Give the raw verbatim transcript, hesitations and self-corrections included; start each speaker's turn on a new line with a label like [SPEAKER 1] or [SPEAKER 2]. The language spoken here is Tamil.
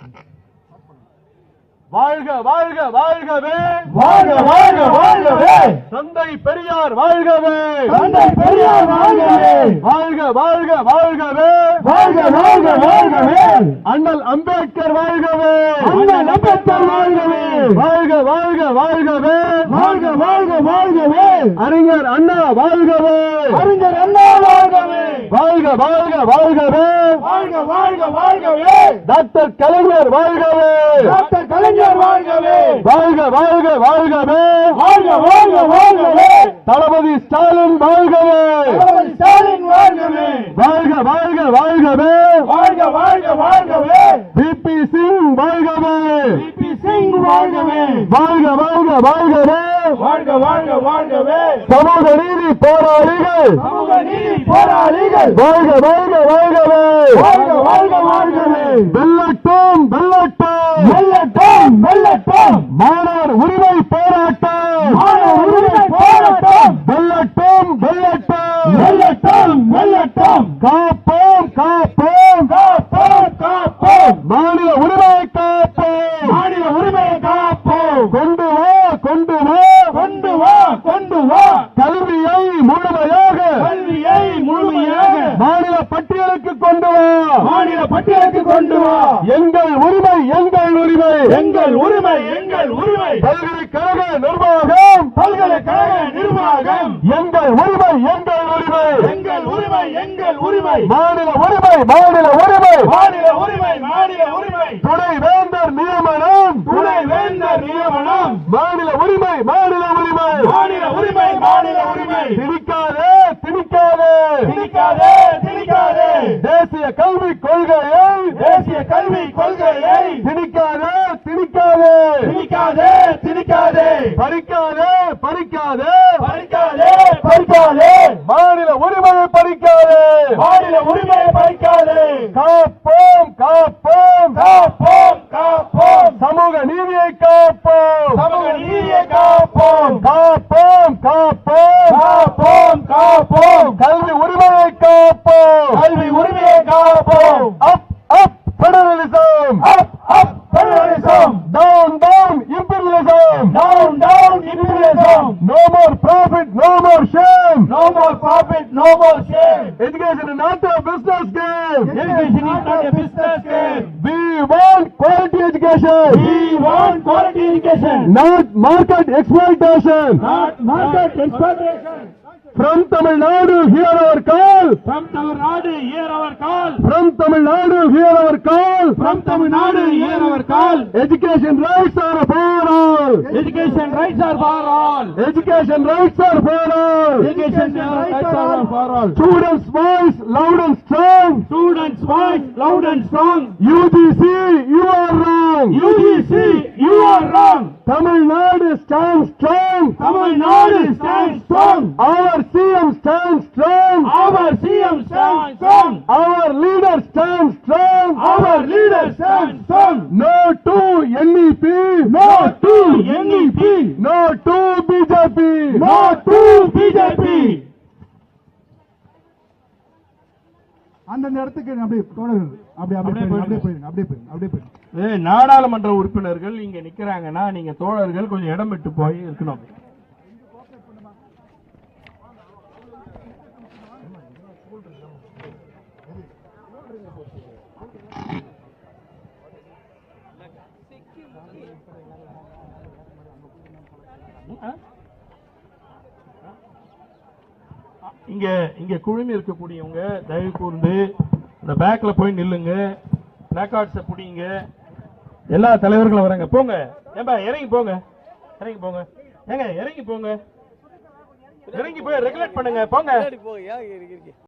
[SPEAKER 1] வாழ்க வாழ்க வாழ்கவே,
[SPEAKER 2] வாழ்க வாழ்க வாழ்கவே,
[SPEAKER 1] தந்தை பெரியார் வாழ்கவே,
[SPEAKER 2] தந்தை பெரியார் வாழ்கவே,
[SPEAKER 1] வாழ்க வாழ்க வாழ்கவே,
[SPEAKER 2] வாழ்க வாழ்க வாழ்கவே,
[SPEAKER 1] அண்ணல் அம்பேத்கர் வாழ்கவே,
[SPEAKER 2] அண்ணல் அம்பேத்கர் வாழ்கவே,
[SPEAKER 1] வாழ்க வாழ்க வாழ்கவே,
[SPEAKER 2] வாழ்க வாழ்க வாழ்கவே,
[SPEAKER 1] அறிஞர் அண்ணா வாழ்கவே,
[SPEAKER 2] அறிஞர் அண்ணா வாழ்கவே,
[SPEAKER 1] வாழ்க வாழ்க வாழ்கவே,
[SPEAKER 2] வாழ்க வாழ்க வாழ்கவே,
[SPEAKER 1] டாக்டர் கலைஞர் வாழ்கவே,
[SPEAKER 2] டாக்டர் கலைஞர் வாழ்கவே,
[SPEAKER 1] வாழ்க வாழ்க வாழ்கவே,
[SPEAKER 2] வாழ்க வாழ்க வாழ்கவே,
[SPEAKER 1] தளபதி ஸ்டாலின் வாழ்கவே,
[SPEAKER 2] தளபதி ஸ்டாலின் வாழ்கவே,
[SPEAKER 1] வாழ்க வாழ்க வாழ்கவே,
[SPEAKER 2] வாழ்க வாழ்க வாழ்கவே,
[SPEAKER 1] பிபி சிங் வாழ்கவே,
[SPEAKER 2] பிபி சிங் வாழ்கவே,
[SPEAKER 1] வாழ்க வாழ்க வாழ்கவே,
[SPEAKER 2] வாழ்க வாழ்க வாழ்கவே,
[SPEAKER 1] சமூக நீதி போராளிகள்,
[SPEAKER 2] சமூக நீதி போராளிகள்,
[SPEAKER 1] வாழ்க வாழ்க வாழ்கவே,
[SPEAKER 2] வாழ்க வாழ்க வாழ்கவே,
[SPEAKER 1] வெல்லட்டும் வெல்லட்டும்,
[SPEAKER 2] வெல்லட்டும் வெல்லட்டும்,
[SPEAKER 1] மாணவர் உரிமை போராட்டம்,
[SPEAKER 2] மாணவர் உரிமை போராட்டம்,
[SPEAKER 1] வெல்லட்டும் வெல்லட்டும்,
[SPEAKER 2] வெல்லட்டும் வெல்லட்டும்,
[SPEAKER 1] காப்போம் காப்போம்,
[SPEAKER 2] காப்போம் காப்போம்,
[SPEAKER 1] மாநில உரிமை காப்போம்,
[SPEAKER 2] மாநில உரிமையை காப்போம்,
[SPEAKER 1] கொண்டு வா கொண்டு வா,
[SPEAKER 2] கொண்டு வா கொண்டு வா,
[SPEAKER 1] கல்வியை முழுமையாக
[SPEAKER 2] கல்வியை முழுமையாக
[SPEAKER 1] மாநில பட்டியலுக்கு கொண்டு வா,
[SPEAKER 2] மாநில பட்டியலுக்கு கொண்டு வா,
[SPEAKER 1] எங்கள் உரிமை எங்கள் உரிமை,
[SPEAKER 2] எங்கள் உரிமை எங்கள் உரிமை,
[SPEAKER 1] பல்கலைக்கழக நிர்வாகம்,
[SPEAKER 2] பல்கலைக்கழக நிர்வாகம்,
[SPEAKER 1] எங்கள் உரிமை எங்கள் உரிமை,
[SPEAKER 2] எங்கள் உரிமை எங்கள் உரிமை,
[SPEAKER 1] மாநில உரிமை மாநில உரிமை,
[SPEAKER 2] மாநில உரிமை மாநில உரிமை,
[SPEAKER 1] துணை வேந்தர் நியமனம்,
[SPEAKER 2] துணை வேந்தர் நியமனம்,
[SPEAKER 1] மாநில உரிமை மாநில உரிமை,
[SPEAKER 2] மாநில உரிமை மாநில உரிமை,
[SPEAKER 1] திணிக்காதே திணிக்காதே,
[SPEAKER 2] திணிக்காதே திணிக்காதே,
[SPEAKER 1] தேசிய கல்விக் கொள்கையை
[SPEAKER 2] தேசிய கல்வி கொள்கையை
[SPEAKER 1] திணிக்காதே திணிக்காதே,
[SPEAKER 2] திணிக்காதே திணிக்காதே,
[SPEAKER 1] பறிக்காதே பறிக்காதே,
[SPEAKER 2] பறிக்காதே பறிக்காதே,
[SPEAKER 1] மாநில உரிமையை பறிக்காதே,
[SPEAKER 2] மாநில உரிமையை பறிக்காதே,
[SPEAKER 1] காப்போம் காப்போம்,
[SPEAKER 2] காப்போம் காப்போம்,
[SPEAKER 1] சமூக நீதியை காப்போம்,
[SPEAKER 2] சமூக நீதியை காப்போம்,
[SPEAKER 1] காப்போம் காப்போம்,
[SPEAKER 2] காப்போம் காப்போம்,
[SPEAKER 1] கல்வி உரிமையை காப்போம்,
[SPEAKER 2] கல்வி உரிமையை காப்போம்,
[SPEAKER 1] up up federalism,
[SPEAKER 2] up up federalism,
[SPEAKER 1] down down imperialism,
[SPEAKER 2] down down imperialism,
[SPEAKER 1] no more profit no more shame,
[SPEAKER 2] no more profit no more shame,
[SPEAKER 1] education is not a business game,
[SPEAKER 2] education is not a business game,
[SPEAKER 1] we want quality education,
[SPEAKER 2] we want quality education,
[SPEAKER 1] not market exploitation,
[SPEAKER 2] not market exploitation,
[SPEAKER 1] from Tamil Nadu hear our call,
[SPEAKER 2] from Tamil Nadu hear our call,
[SPEAKER 1] from Tamil Nadu hear our call,
[SPEAKER 2] from Tamil Nadu hear our call,
[SPEAKER 1] education rights are for all,
[SPEAKER 2] education rights are for all,
[SPEAKER 1] education rights are for all,
[SPEAKER 2] education rights are for all,
[SPEAKER 1] students voice loud and strong,
[SPEAKER 2] students voice loud and strong,
[SPEAKER 1] U G C you are wrong,
[SPEAKER 2] U G C you are wrong,
[SPEAKER 1] Tamil Nadu stands strong,
[SPEAKER 2] Tamil Nadu stands strong,
[SPEAKER 1] our C M stands strong,
[SPEAKER 2] our C M stands strong,
[SPEAKER 1] our leader stands strong,
[SPEAKER 2] our leader stands strong,
[SPEAKER 1] no to N E P,
[SPEAKER 2] no to N E P,
[SPEAKER 1] no to B J P,
[SPEAKER 2] no to B J P.
[SPEAKER 3] அந்தந்த இடத்துக்கு அப்படியே தொடருங்க, அப்படியே அப்படியே அப்படியே போயிருங்க, அப்படியே போயிருங்க, அப்படியே போயிருங்க.
[SPEAKER 2] ஏய், நாடாளுமன்ற உறுப்பினர்கள் இங்க நிக்கிறாங்கன்னா நீங்க தோழர்கள் கொஞ்சம் இடம் விட்டு போய் இருக்கணும். இங்க இங்க குழுமி இருக்கக்கூடியவங்க தயவு கூர்ந்து இந்த பேக்ல போய் நில்லுங்க, பிளாக்கார்ட்ஸ புடிங்க. எல்லா தலைவர்களும் வராங்க, போங்க. ஏம்பா இறங்கி போங்க, இறங்கி போங்க, ஏங்க இறங்கி போங்க, இறங்கி போய் ரெகுலேட் பண்ணுங்க, போங்க.